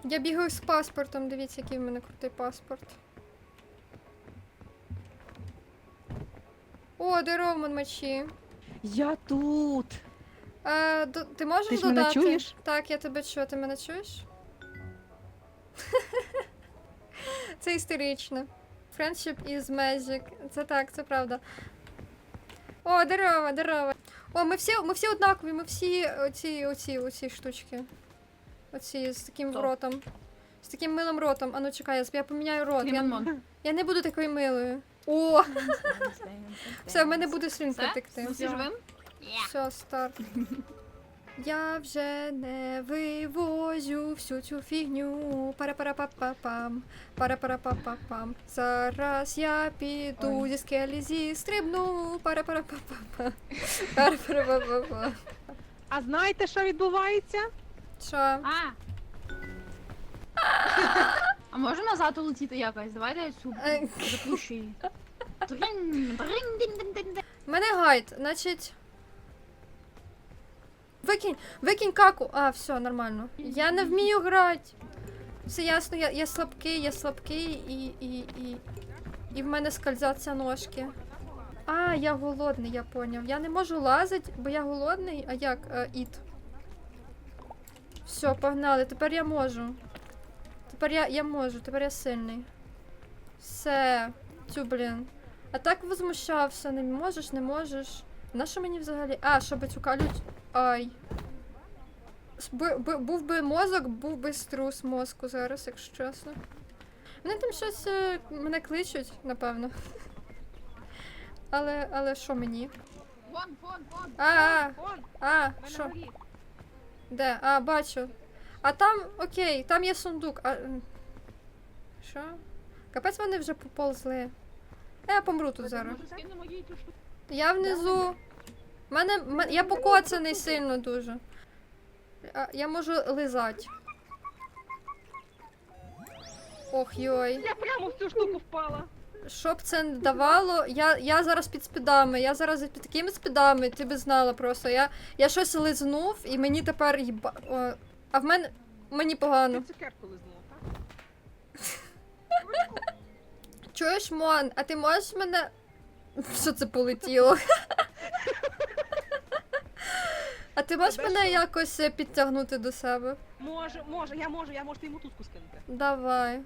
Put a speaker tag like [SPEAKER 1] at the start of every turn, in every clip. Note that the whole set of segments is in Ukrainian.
[SPEAKER 1] Я бігаю з паспортом, дивіться, який в мене крутий паспорт. О, Дероман мечі.
[SPEAKER 2] Я тут.
[SPEAKER 1] Ти можеш
[SPEAKER 2] Ти ж
[SPEAKER 1] додати?
[SPEAKER 2] мене чуєш?
[SPEAKER 1] Так, я тебе чую. Ти мене чуєш? Це історично. Friendship is magic. Це так, це правда. О, здорово, здорово. О, ми всі однакові, ми всі оці штучки. Оці з таким
[SPEAKER 2] Хто?
[SPEAKER 1] ротом. З таким милим ротом. А ну чекай, я поміняю рот. Я не буду такою милою. О, все, в мене буде слинка
[SPEAKER 3] Все?
[SPEAKER 1] текти.
[SPEAKER 3] Ми всі живим?
[SPEAKER 1] Все, старт. Я вже не вивозю всю цю фігню. Пара-пара-па-па-пам. Пара-пара-па-па-пам. Зараз я піду зі скелі зістрибну. Пара-пара-па-па-пам. Пара-пара-па-па-пам.
[SPEAKER 2] А знаєте, що відбувається?
[SPEAKER 1] Що?
[SPEAKER 3] А може назад улетіти якось? Давайте я цю
[SPEAKER 1] Е.
[SPEAKER 3] запущу її. Дринь, дринь, дин, дин, дин, дин.
[SPEAKER 1] У мене гайд, значить. Викинь каку. А, все, нормально. Я не вмію грати. Все ясно, я слабкий і в мене скользяться ножки. А, я голодний, я поняв. Я не можу лазити, бо я голодний. А як? Іт. Все, погнали. Тепер я можу. Тепер я можу, тепер я сильний. Все. Тю, блін. А так возмущався. Не можеш, не можеш. Нащо мені взагалі? А, щоб цю калють. Ай. Був би мозок, був би струс мозку зараз, якщо чесно. Вони там щось мене кличуть, напевно. Але що мені?
[SPEAKER 3] Вон.
[SPEAKER 1] Що? Де? А, бачу. А там, окей, там є сундук. А... Що? Капець вони вже поползли. Я помру тут зараз. Я внизу. Я покоцаний сильно дуже. Я можу лизати. Ох, йой.
[SPEAKER 2] Я прямо в цю штуку впала.
[SPEAKER 1] Що б це не давало, я зараз під спідами, я зараз під такими спідами, ти би знала просто. Я щось лизнув і мені тепер а в мене... Мені погано.
[SPEAKER 2] Ти цукерку лизнула, так?
[SPEAKER 1] Чуєш, Мон, а ти можеш мене... Що це полетіло? А ти можеш
[SPEAKER 2] Тебе
[SPEAKER 1] мене
[SPEAKER 2] що?
[SPEAKER 1] якось підтягнути до себе?
[SPEAKER 2] Я можу ти йому туску скинути.
[SPEAKER 1] Давай.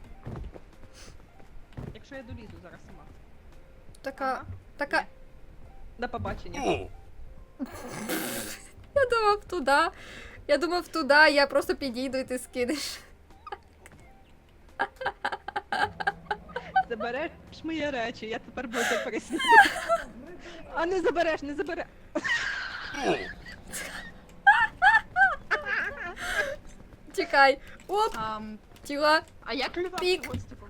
[SPEAKER 2] Якщо я долізу зараз сама.
[SPEAKER 1] Така... Така...
[SPEAKER 2] До побачення.
[SPEAKER 1] Я думав туди, я просто підійду і ти скинеш.
[SPEAKER 2] Забереш мої речі, я тепер буду переснути. А не забереш.
[SPEAKER 1] Чекай. Оп, тіла.
[SPEAKER 3] А як
[SPEAKER 1] Пік.
[SPEAKER 3] ось таку?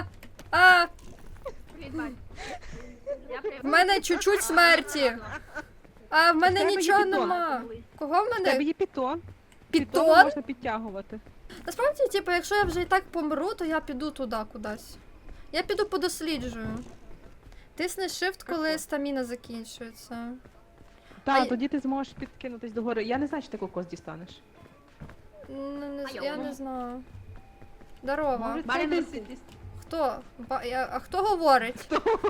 [SPEAKER 3] Привіт, Вань.
[SPEAKER 1] В мене чуть-чуть смерті. А в мене
[SPEAKER 2] тебе є
[SPEAKER 1] нічого
[SPEAKER 2] підтон.
[SPEAKER 1] нема. Кого в
[SPEAKER 2] В тебе
[SPEAKER 1] мене?
[SPEAKER 2] є підтон. Підтон
[SPEAKER 1] Підтон?
[SPEAKER 2] можна підтягувати.
[SPEAKER 1] Насправді, типу, якщо я вже і так помру, то я піду туди кудись. Я піду подосліджую. Тисни shift, коли стаміна закінчується.
[SPEAKER 2] Так,
[SPEAKER 1] я-
[SPEAKER 2] тоді ти зможеш підкинутись догори. Я не знаю, чи ти кокос дістанеш.
[SPEAKER 1] Я не знаю. Здорово.
[SPEAKER 2] Може,
[SPEAKER 3] Барін
[SPEAKER 2] це
[SPEAKER 3] Лисий.
[SPEAKER 2] десь...
[SPEAKER 1] Хто? А хто говорить?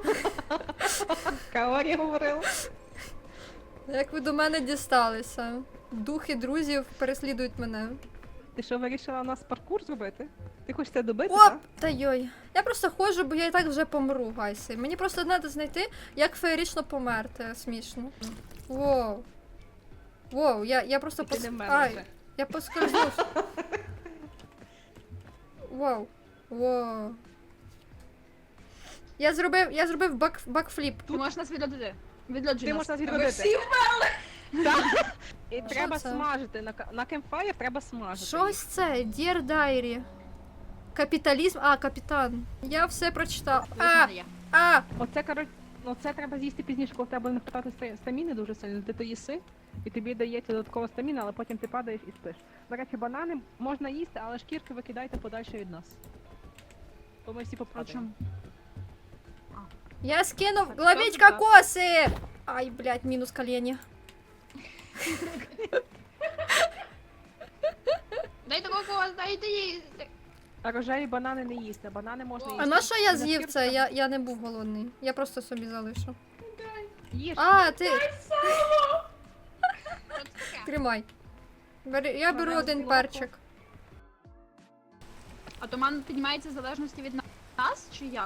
[SPEAKER 2] Каорі говорила.
[SPEAKER 1] Як ви до мене дісталися? Духи друзів переслідують мене.
[SPEAKER 2] Ти що, вирішила у нас паркур зробити? Ти хочеш це добити,
[SPEAKER 1] Оп!
[SPEAKER 2] так?
[SPEAKER 1] Та йой. Я просто ходжу, бо я і так вже помру, гайси. Мені просто треба знайти, як феєрично померти. Смішно. Воу. Воу, я просто
[SPEAKER 2] Ти не вмерла
[SPEAKER 1] Ай,
[SPEAKER 2] вже.
[SPEAKER 1] я поскользнусь. Воу. Воу. Я зробив бакфліп.
[SPEAKER 3] Ти можеш нас відлоджити.
[SPEAKER 2] Ти можеш нас відродити. Так. І треба
[SPEAKER 1] це?
[SPEAKER 2] смажити. На кемпфайр треба смажити.
[SPEAKER 1] Щось це? Dear Diary. Капіталізм. А, капітан. Я все прочитав.
[SPEAKER 2] Оце, оце треба з'їсти пізніше, коли в тебе не хватати стаміни дуже сильно. Ти то їси, і тобі дається додаткова стаміна, але потім ти падаєш і спиш. До речі, банани можна їсти, але шкірки викидайте подальше від нас. То ми всі попробуємо.
[SPEAKER 1] Я скинув.
[SPEAKER 2] Так,
[SPEAKER 1] Ловіть
[SPEAKER 2] так.
[SPEAKER 1] кокоси! Ай, блядь, мінус колені.
[SPEAKER 3] Дай такого когось, дай Дайте їй.
[SPEAKER 2] Рожеві банани не їсти, банани можна їсти.
[SPEAKER 1] А на що я
[SPEAKER 2] На
[SPEAKER 1] з'їв
[SPEAKER 2] шкірку
[SPEAKER 1] це?
[SPEAKER 2] треба-
[SPEAKER 1] Я не був голодний. Я просто собі залишу.
[SPEAKER 2] Їж.
[SPEAKER 1] А, ти
[SPEAKER 3] Що це таке?
[SPEAKER 1] тримай. Я беру
[SPEAKER 2] Вона
[SPEAKER 1] один
[SPEAKER 2] злоку.
[SPEAKER 1] перчик.
[SPEAKER 3] А туман піднімається в залежності від нас, чи як?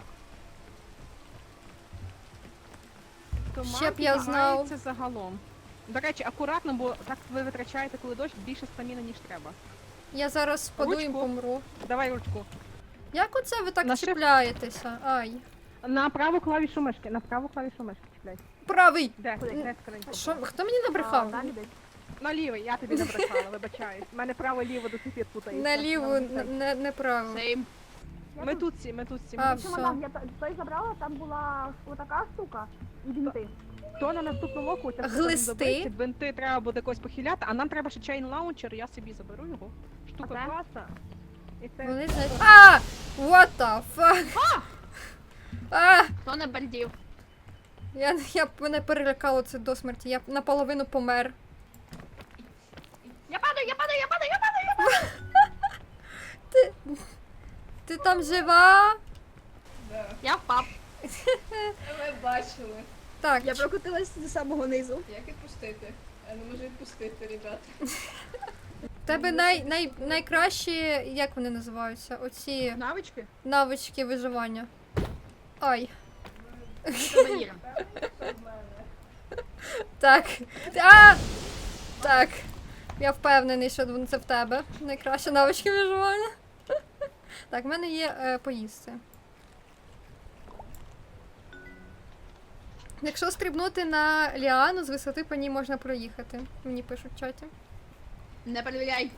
[SPEAKER 2] Туман
[SPEAKER 1] Ще б я знав.
[SPEAKER 2] піднімається загалом. До речі, акуратно, бо так ви витрачаєте, коли дощ, більше стаміни, ніж треба.
[SPEAKER 1] Я зараз спаду і
[SPEAKER 2] Ручку.
[SPEAKER 1] помру.
[SPEAKER 2] Давай ручку.
[SPEAKER 1] Як оце ви так
[SPEAKER 2] На shift.
[SPEAKER 1] чіпляєтеся? Ай.
[SPEAKER 2] На праву клавішу мишки, на праву клавішу мишки чіпляй.
[SPEAKER 1] Правий!
[SPEAKER 2] Де? Де скринька?
[SPEAKER 1] Що? Хто мені набрехав?
[SPEAKER 2] На лівий, я тобі не брехала, вибачаюсь. У мене право-ліво до сих пір путається.
[SPEAKER 1] Наліво, не право.
[SPEAKER 3] Сейм.
[SPEAKER 2] Ми тут всі, ми тут всі.
[SPEAKER 1] А,
[SPEAKER 2] Ми тут
[SPEAKER 1] все.
[SPEAKER 4] Я той забрала, там була отака штука і бінти.
[SPEAKER 2] То на наступному року у тебе
[SPEAKER 1] Глисти?
[SPEAKER 2] добиться, бинти треба буде когось похиляти, а нам треба ще чейн лаунчер, я собі заберу його. Штука
[SPEAKER 4] А це?
[SPEAKER 2] класа. І це
[SPEAKER 1] Вони знають. А! What the fuck? А!
[SPEAKER 3] Хто не бальдів?
[SPEAKER 1] Мене перелякало це до смерті. Я наполовину помер.
[SPEAKER 3] Я падаю!
[SPEAKER 1] Ти там жива?
[SPEAKER 3] Я впав.
[SPEAKER 5] Ми бачили.
[SPEAKER 1] Так,
[SPEAKER 4] Я прокотилась до самого низу.
[SPEAKER 5] Як відпустити? Я не можу відпустити, ребята.
[SPEAKER 1] в тебе найкращі, як вони називаються? Оці
[SPEAKER 3] Навички?
[SPEAKER 1] навички виживання. Ай.
[SPEAKER 3] Сувеніри.
[SPEAKER 1] Так. А! Так. Я впевнений, що це в тебе. Найкращі навички виживання. Так, в мене є поїсти. Якщо стрибнути на ліану, з висоти по ній можна проїхати. Мені пишуть в чаті.
[SPEAKER 3] Не перевіряй.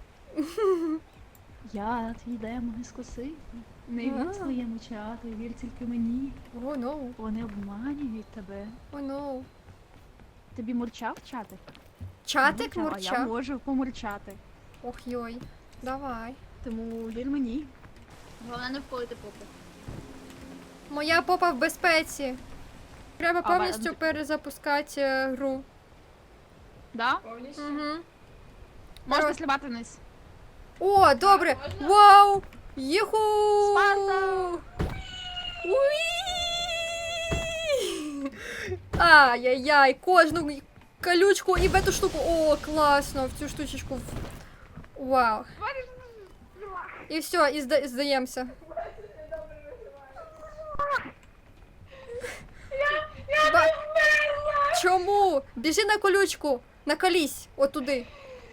[SPEAKER 6] Я твій демон із коси. Не вір
[SPEAKER 1] А.
[SPEAKER 6] своєму чату, вір тільки мені.
[SPEAKER 1] О, no.
[SPEAKER 6] Вони обманюють тебе.
[SPEAKER 1] О, no.
[SPEAKER 6] Тобі мурчав чатик?
[SPEAKER 1] Чатик
[SPEAKER 6] А я
[SPEAKER 1] мурчав?
[SPEAKER 6] можу помурчати.
[SPEAKER 1] Ох йой. Давай.
[SPEAKER 6] Тому вір мені.
[SPEAKER 3] Головне не вколити попу.
[SPEAKER 1] Моя попа в безпеці. Треба
[SPEAKER 3] А,
[SPEAKER 1] повністю перезапускати гру.
[SPEAKER 3] Да?
[SPEAKER 5] Повністю.
[SPEAKER 1] Угу.
[SPEAKER 3] Можна сливати вниз.
[SPEAKER 1] О, добре!
[SPEAKER 5] Можна?
[SPEAKER 1] Вау! Єху!
[SPEAKER 3] Спарта!
[SPEAKER 1] Уї! Ай-яй-яй, кожну колючку і в эту штуку. О, класно, в цю штучечку. Вау. І все, і здаємося. Я Чому? Біжи на колючку, наколись, отуди.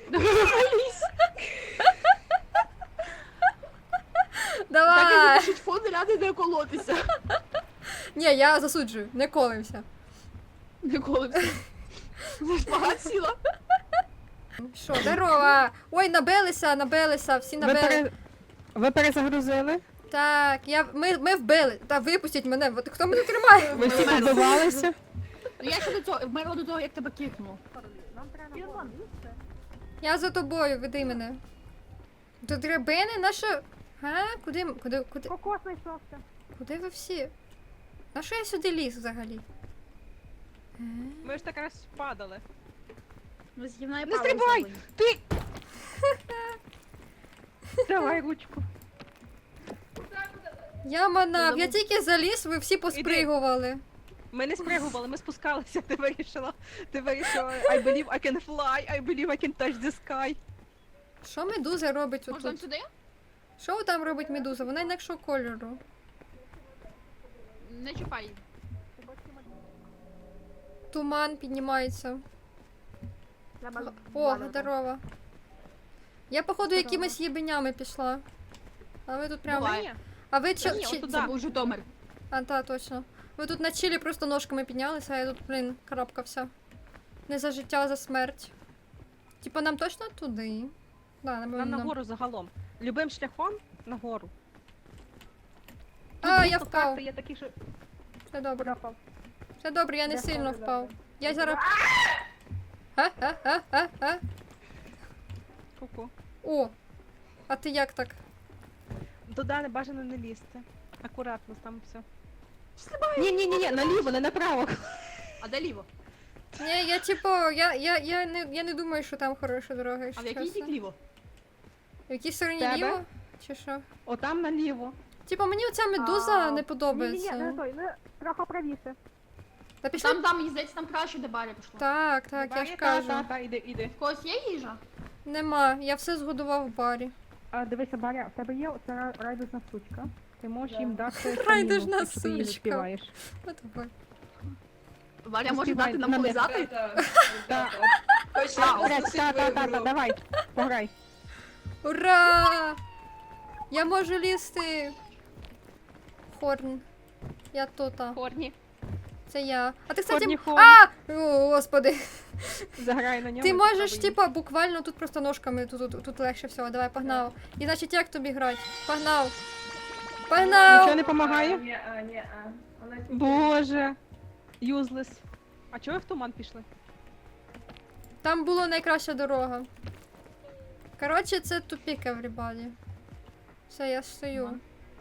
[SPEAKER 1] Давай!
[SPEAKER 3] Пишуть фон ради не колотися.
[SPEAKER 1] Ні, я засуджую, не колимся.
[SPEAKER 3] Не колимся. Ви ж багато сіла.
[SPEAKER 1] Що, здорово! Ой, набилися, всі набили.
[SPEAKER 2] Ви перезагрузили?
[SPEAKER 1] Так, ми вбили. Та випустіть мене, от хто мене тримає?
[SPEAKER 2] Ви всі побивалися?
[SPEAKER 3] Ну я ще до цього, вмерла до того, як тебе кикнуло.
[SPEAKER 1] Я за тобою, веди мене. До драбини наша. Га? Куди?
[SPEAKER 2] Кокос знайшовся.
[SPEAKER 1] Куди ви всі? На що я сюди ліз взагалі?
[SPEAKER 2] Ми ж так раз падали.
[SPEAKER 3] Ну, згівна і
[SPEAKER 2] Не стрибай! Ти! Давай ручку.
[SPEAKER 1] Я манав, я тільки заліз, ви всі поспригували.
[SPEAKER 2] Ми не спригували, ми спускалися, ти вирішила. I believe I can fly, I believe I can touch the sky.
[SPEAKER 1] Що медуза робить
[SPEAKER 3] Можна
[SPEAKER 1] отут?
[SPEAKER 3] сюди?
[SPEAKER 1] Що там робить медуза? Вона інакшого кольору.
[SPEAKER 3] Не чіпай її.
[SPEAKER 1] Туман піднімається.
[SPEAKER 4] Треба
[SPEAKER 1] О, здорово. Я, походу, якимись єбенями пішла. А ви тут прямо.
[SPEAKER 3] Буває.
[SPEAKER 1] А ви
[SPEAKER 2] Та ні,
[SPEAKER 1] чи...
[SPEAKER 2] отут
[SPEAKER 3] Це був Житомир.
[SPEAKER 1] А, та, точно. Ви тут на чилі просто ножками піднялися, а я тут, блін, карабкався. Не за життя, а за смерть. Типа нам точно туди? Да,
[SPEAKER 2] Нам
[SPEAKER 1] напевно.
[SPEAKER 2] нагору загалом. Любим шляхом нагору.
[SPEAKER 1] А,
[SPEAKER 2] Тут
[SPEAKER 1] я
[SPEAKER 2] просто
[SPEAKER 1] впав.
[SPEAKER 2] карти Є такі, що...
[SPEAKER 1] Все добре.
[SPEAKER 2] Впав.
[SPEAKER 1] Все добре, я не сильно впав. Я зараз. А?
[SPEAKER 2] Ку-ку.
[SPEAKER 1] О! А ти як так?
[SPEAKER 2] Туди не бажано не лізти. Акуратно, там все. Ні, наліво, не направо.
[SPEAKER 3] А де ліво?
[SPEAKER 1] Ні, я типу, я не думаю, що там хороша дорога.
[SPEAKER 3] А
[SPEAKER 1] якщо
[SPEAKER 3] в який
[SPEAKER 1] чесно.
[SPEAKER 3] бік ліво?
[SPEAKER 1] В якій стороні
[SPEAKER 2] Тебе?
[SPEAKER 1] ліво? Чи що?
[SPEAKER 2] Отам наліво.
[SPEAKER 1] Типа мені оця медуза не
[SPEAKER 4] Ні, не
[SPEAKER 1] подобається.
[SPEAKER 4] той, не трохи правіше.
[SPEAKER 1] Та пішли.
[SPEAKER 3] Там, мені здається, там краще, де Баря пішла.
[SPEAKER 1] Так, я ж кажу.
[SPEAKER 2] Та, іди.
[SPEAKER 3] В когось є їжа?
[SPEAKER 1] Нема, я все згодував в барі.
[SPEAKER 2] А, дивися, Баря, в тебе є оця райдужна сучка. Ти можеш їм дати
[SPEAKER 1] Райдужна
[SPEAKER 2] стаміну, якщо ти її не
[SPEAKER 1] сучка.
[SPEAKER 2] співаєш.
[SPEAKER 1] От давай.
[SPEAKER 3] Баря може
[SPEAKER 2] Співай
[SPEAKER 3] дати нам
[SPEAKER 2] на
[SPEAKER 3] полизати?
[SPEAKER 2] Та,
[SPEAKER 5] Точно,
[SPEAKER 2] та, давай, пограй.
[SPEAKER 1] Ура! Я можу лізти. Хорн. Я тут.
[SPEAKER 2] Хорні,
[SPEAKER 1] Це я. А ти, кстати.
[SPEAKER 2] Хорні, хорні.
[SPEAKER 1] А! О, господи.
[SPEAKER 2] Заграй на ньому.
[SPEAKER 1] Ти
[SPEAKER 2] і
[SPEAKER 1] можеш,
[SPEAKER 2] спробуй.
[SPEAKER 1] типа, буквально тут просто ножками, тут легше всього. Давай, погнав. І значить, як тобі грати? Погнав. Погнав!
[SPEAKER 2] Нічого не допомагає?
[SPEAKER 5] Ні. Вона
[SPEAKER 2] Боже. Юзлес. А чого ви в туман пішли?
[SPEAKER 1] Там була найкраща дорога. Коротше, це тупік, everybody. Все, я стою.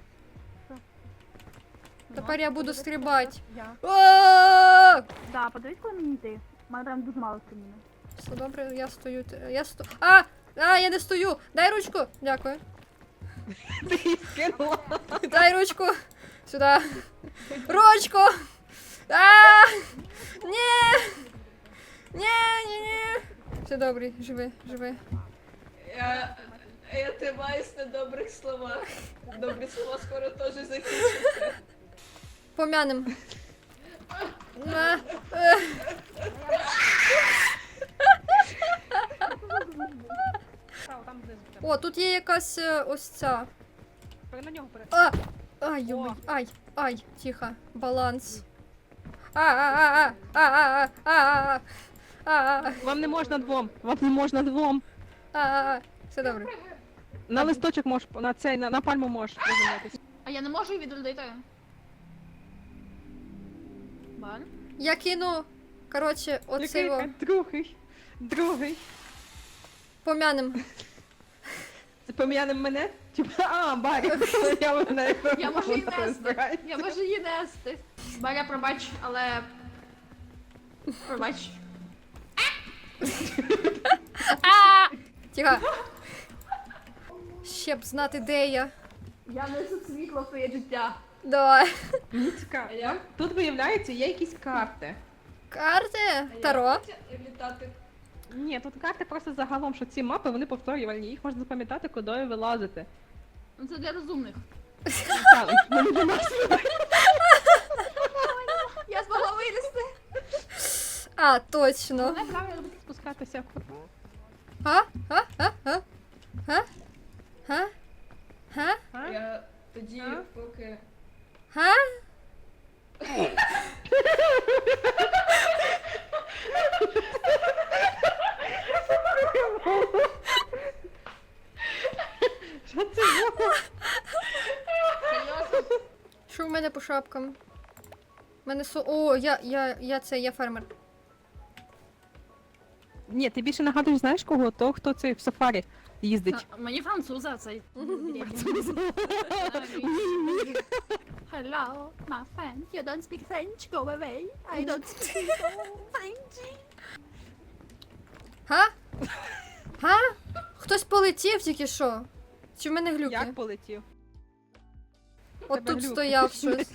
[SPEAKER 1] Тепер я буду стрибати.
[SPEAKER 4] Я.
[SPEAKER 1] О!
[SPEAKER 4] Да, подивись, коли мені йти. У мене прям дуже мало стаміни.
[SPEAKER 1] Все добре, я стою. А! А, я не стою! Дай ручку! Дякую.
[SPEAKER 2] Ти її скинула.
[SPEAKER 1] Дай ручку! Сюди! Ручку! А! Ні! Ні! Все добре, живи.
[SPEAKER 5] Я тримаюсь на добрих словах. Добрі слова скоро теж закінчаться.
[SPEAKER 1] Помянем.
[SPEAKER 2] Там знизу в тебе.
[SPEAKER 1] О, тут є якась ось ця.
[SPEAKER 2] На нього перед.
[SPEAKER 1] А! Ай, йой, ай, тихо, баланс. А.
[SPEAKER 2] Вам не можна двом.
[SPEAKER 1] Все добре.
[SPEAKER 2] На листочок можеш, на цей, на пальму можеш приземлитись.
[SPEAKER 3] А я не можу її відродити. Бар?
[SPEAKER 1] Я кину, коротше, оцей його.
[SPEAKER 2] Другий.
[SPEAKER 1] Помянем.
[SPEAKER 2] Це пом'янем мене? Типа, Барі, я мене.
[SPEAKER 3] Я можу її нести. Я можу її нести. Баря, пробач, але... Пробач.
[SPEAKER 1] Тихо. Ще б знати, де я.
[SPEAKER 3] Я несу світло в твоє життя.
[SPEAKER 1] Давай.
[SPEAKER 2] Мені цікаво.
[SPEAKER 5] А як?
[SPEAKER 2] Тут виявляється, є якісь карти.
[SPEAKER 1] Карти? Таро?
[SPEAKER 5] Літати.
[SPEAKER 2] Ні, тут карти просто загалом, що ці мапи, вони повторювальні, їх можна запам'ятати, куди ви вилазите.
[SPEAKER 3] Ну це для розумних.
[SPEAKER 2] Так, вони для нас.
[SPEAKER 3] Я змогла вилізти.
[SPEAKER 1] А, точно.
[SPEAKER 2] Головне правильно спускатися.
[SPEAKER 1] А?
[SPEAKER 5] Я тоді,
[SPEAKER 2] А?
[SPEAKER 5] поки...
[SPEAKER 1] Га?
[SPEAKER 2] Що це було?
[SPEAKER 3] Серйозно?
[SPEAKER 1] Що в мене по шапкам? У мене О, я фермер.
[SPEAKER 2] Ні, ти більше нагадуєш, знаєш кого? Того, хто цей в сафарі їздить.
[SPEAKER 3] Мені француза цей. Hello, my friend. You don't speak French? Go away. I don't speak French.
[SPEAKER 1] Га? Га? Хтось полетів тільки що? Чи в мене глюки?
[SPEAKER 2] Як полетів?
[SPEAKER 1] От
[SPEAKER 2] тебе
[SPEAKER 1] тут
[SPEAKER 2] глюки.
[SPEAKER 1] стояв щось.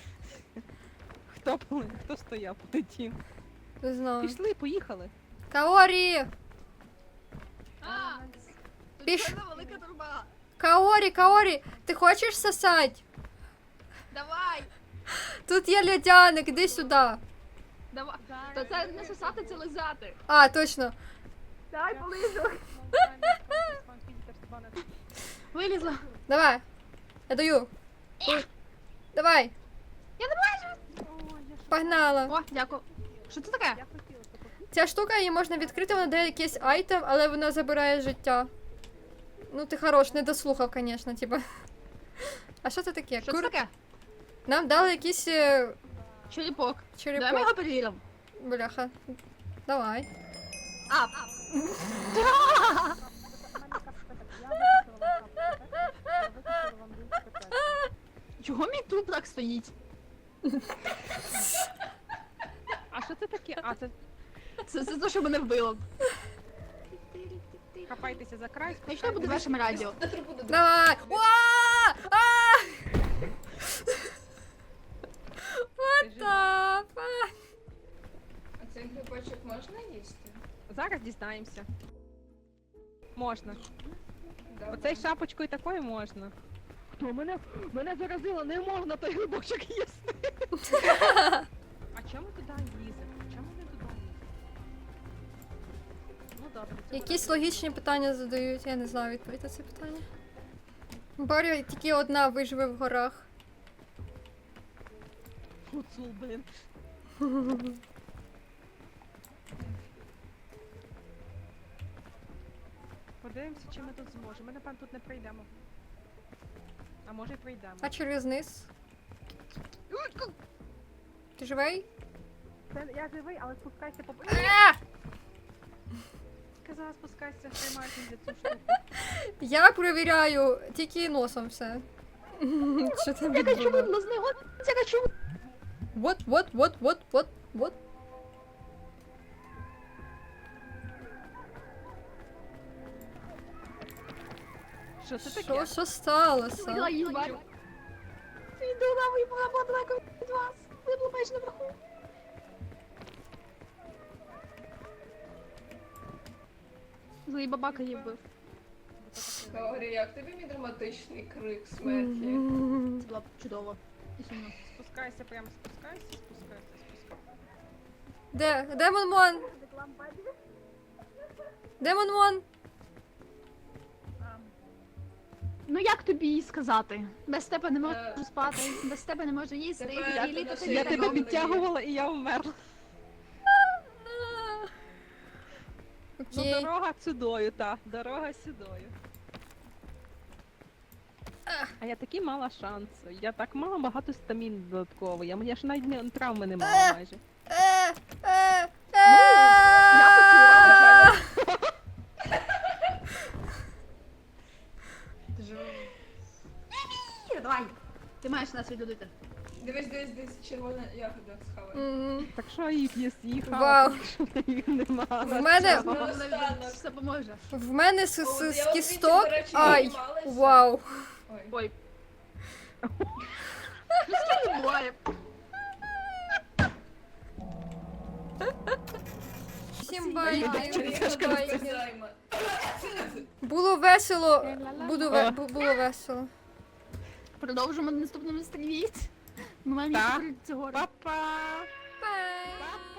[SPEAKER 2] Хто стояв, полетів?
[SPEAKER 1] Не знаю.
[SPEAKER 2] Пішли, поїхали.
[SPEAKER 1] Каорі!
[SPEAKER 3] А,
[SPEAKER 1] Піш.
[SPEAKER 3] тут велика труба.
[SPEAKER 1] Каорі, ти хочеш сосать?
[SPEAKER 3] Давай.
[SPEAKER 1] Тут є льодяник, іди сюди.
[SPEAKER 3] Давай. Та це не сосати, це лизати.
[SPEAKER 1] А, точно.
[SPEAKER 4] Дай полижу.
[SPEAKER 3] Вилізла.
[SPEAKER 1] Давай. Я даю. Давай.
[SPEAKER 3] Я не бачу.
[SPEAKER 1] Погнала.
[SPEAKER 3] О, дякую. Що це таке?
[SPEAKER 1] Ця штука, її можна відкрити, вона дає якийсь айтем, але вона забирає життя. Ну ти хорош, не дослухав, звісно, типа. А що це таке?
[SPEAKER 3] Що це таке?
[SPEAKER 1] Нам дали якийсь
[SPEAKER 3] Черепок. Давай ми
[SPEAKER 1] черепок.
[SPEAKER 3] його перевіримо.
[SPEAKER 1] Бляха. Давай.
[SPEAKER 3] А, чого мій труп так стоїть?
[SPEAKER 2] А що це таке? А, це
[SPEAKER 3] Це те, що мене вбило.
[SPEAKER 2] Хапайтеся за край.
[SPEAKER 6] Точно буде вашим радіо?
[SPEAKER 5] На трубу до
[SPEAKER 1] Давай! Уа! А! What the fuck?
[SPEAKER 5] А цей грибочок можна їсти?
[SPEAKER 2] Зараз дізнаємося. Можна.
[SPEAKER 5] Добре.
[SPEAKER 2] Оцей шапочкою такою можна. Хто мене заразило, не можна той грибочок їсти. А чому туди ліземо? Чому не туди ліземо? Ну добре. це
[SPEAKER 1] Якісь
[SPEAKER 2] буде.
[SPEAKER 1] логічні питання задають, я не знаю відповідь на це питання. Боря тільки одна виживе в горах.
[SPEAKER 2] Гуцул, блін. Подивимося, чи ми тут зможемо. Ми, напевно, тут не прийдемо. А може й прийдемо.
[SPEAKER 1] А через низ? Ти живий?
[SPEAKER 2] Я живий, але спускайся по...
[SPEAKER 1] А!
[SPEAKER 2] Сказала, спускайся, тримайся за цю штуку.
[SPEAKER 1] Я перевіряю тільки носом все. Що там
[SPEAKER 6] Я хочу
[SPEAKER 1] відбувається?
[SPEAKER 6] видно з нього. Я хочу.
[SPEAKER 1] Вот.
[SPEAKER 2] Що це таке?
[SPEAKER 1] Що сталося?
[SPEAKER 6] Видала їбать. Іду на мою була далеко від вас. Ви були майже наверху. Злий бабака її вбив.
[SPEAKER 5] Говори, як тобі мій драматичний крик смерті?
[SPEAKER 6] Це було б чудово. І сумно.
[SPEAKER 2] Спускайся, прямо спускайся.
[SPEAKER 1] Де? Демон Мон? Демон Мон?
[SPEAKER 6] Ну як тобі їй сказати? Без тебе не можу
[SPEAKER 5] Е.
[SPEAKER 6] спати, без тебе не можу їсти,
[SPEAKER 5] Тепер
[SPEAKER 6] і
[SPEAKER 5] ти
[SPEAKER 6] літати
[SPEAKER 5] на
[SPEAKER 2] Я
[SPEAKER 6] не
[SPEAKER 2] тебе
[SPEAKER 5] Добре.
[SPEAKER 2] підтягувала і я вмерла. Ну,
[SPEAKER 1] Окей.
[SPEAKER 2] дорога сюдою, та. Дорога сюдою. А я такі мала шансу. Я так мала багато стамін додатково. Я ж навіть травми не мала майже.
[SPEAKER 6] Я поцілувала
[SPEAKER 3] Давай.
[SPEAKER 6] Ти маєш нас відлюдити.
[SPEAKER 5] Дивись, червона ягода схавай.
[SPEAKER 1] Мгм.
[SPEAKER 2] Так що їх їхала,
[SPEAKER 1] Вау.
[SPEAKER 2] якщо їх нема.
[SPEAKER 1] В мене,
[SPEAKER 5] Наостанок.
[SPEAKER 6] Все поможе.
[SPEAKER 1] в мене з
[SPEAKER 5] О, от я
[SPEAKER 1] з
[SPEAKER 5] от
[SPEAKER 1] кісток.
[SPEAKER 5] до речі,
[SPEAKER 1] Ай,
[SPEAKER 5] знімалася.
[SPEAKER 1] вау.
[SPEAKER 5] Ой.
[SPEAKER 6] Ой. Ну скільки буває?
[SPEAKER 1] Всім
[SPEAKER 5] Ай,
[SPEAKER 1] байки.
[SPEAKER 5] байки. Займа.
[SPEAKER 1] Було весело.
[SPEAKER 2] О.
[SPEAKER 1] Було весело.
[SPEAKER 6] Продовжимо на наступному стрімі. Ми маємо
[SPEAKER 2] Так.
[SPEAKER 6] їхати цього.
[SPEAKER 2] Па-па!
[SPEAKER 1] Бай.